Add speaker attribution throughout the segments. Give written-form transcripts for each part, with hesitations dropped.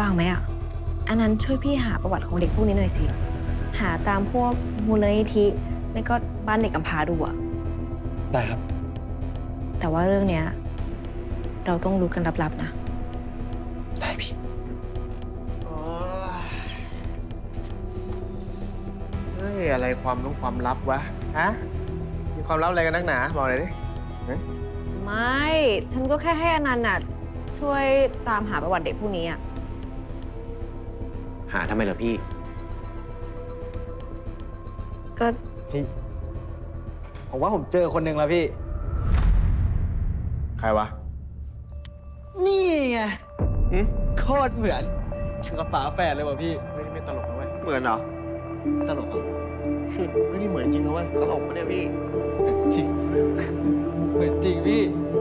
Speaker 1: ว่างไหมอ่ะอันนั้นช่วยพี่หาประวัติของเด็กพวกนี้หน่อยสิหาตามพวกมูลนิธิไม่ก็บ้านเด็กกำพร้าดูอ่ะ
Speaker 2: ได้ครับ
Speaker 1: แต่ว่าเรื่องเนี้ยเราต้องรู้กันลับๆนะ
Speaker 2: ได้พี่
Speaker 3: เฮ้ยอะไรความลับวะ ฮะ มีความลับอะไรกันนักหนา บอกหน่อยดิ
Speaker 1: ไม่ฉันก็แค่ให้อนันต์น่ะช่วยตามหาประวัติเด็กพวกนี้อ่ะ
Speaker 4: หาทำไมเหรอพี่
Speaker 1: ก็
Speaker 2: พี่ผมว่าผมเจอคนหนึ่งแล้วพี่
Speaker 3: ใครวะ
Speaker 2: นี่ไงโคตรเหมือนช่างกับฝาแฝดเลยว่ะพี่
Speaker 3: เฮ้ย นี่ไม่ตลกนะเว้ย
Speaker 4: เหมือนเหรอ
Speaker 2: ไม่ตลกเหรอ
Speaker 3: เฮ้ย นี่เหมือนจริงนะเว้ย
Speaker 4: ตลกปะเนี่ยพี่
Speaker 2: จริงเหมือนจริงพี่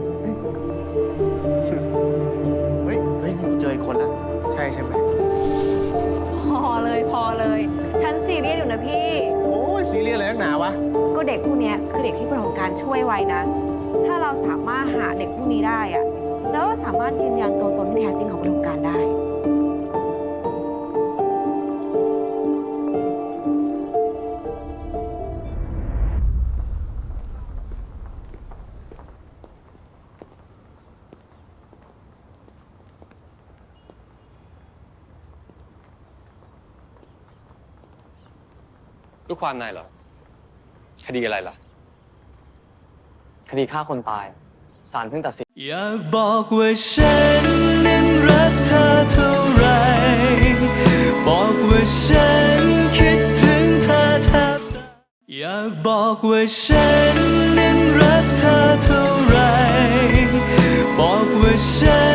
Speaker 3: เฮ้ย นี่กูเจออีกคนละใช่ไหม
Speaker 1: พอเลยฉันซีเรียสอยู่นะพี่
Speaker 3: โอ้ยซีเรียสอะไรนักหนาวะ
Speaker 1: ก็เด็กพวกเนี้ยคือเด็กที่ประสบการณ์ช่วยไว้นะ ถ้าเราสามารถหาเด็กพวกนี้ได้อะแล้วก็สามารถยืนยันตัวตนที่แท้จริงของประสบการณ์ได้
Speaker 5: ลูกความนายเหรอ คดีอะไรล่ะ
Speaker 2: คดีฆ่าคนตายศาลเพิ่งตัดสิน
Speaker 6: อยากบอกว่าฉันนั้นรักเธอเท่าไร บอกว่าฉันคิดถึงเธอแทบตายอยากบอกว่าฉันนั้นรักเธอเท่าไร บอกว่าฉัน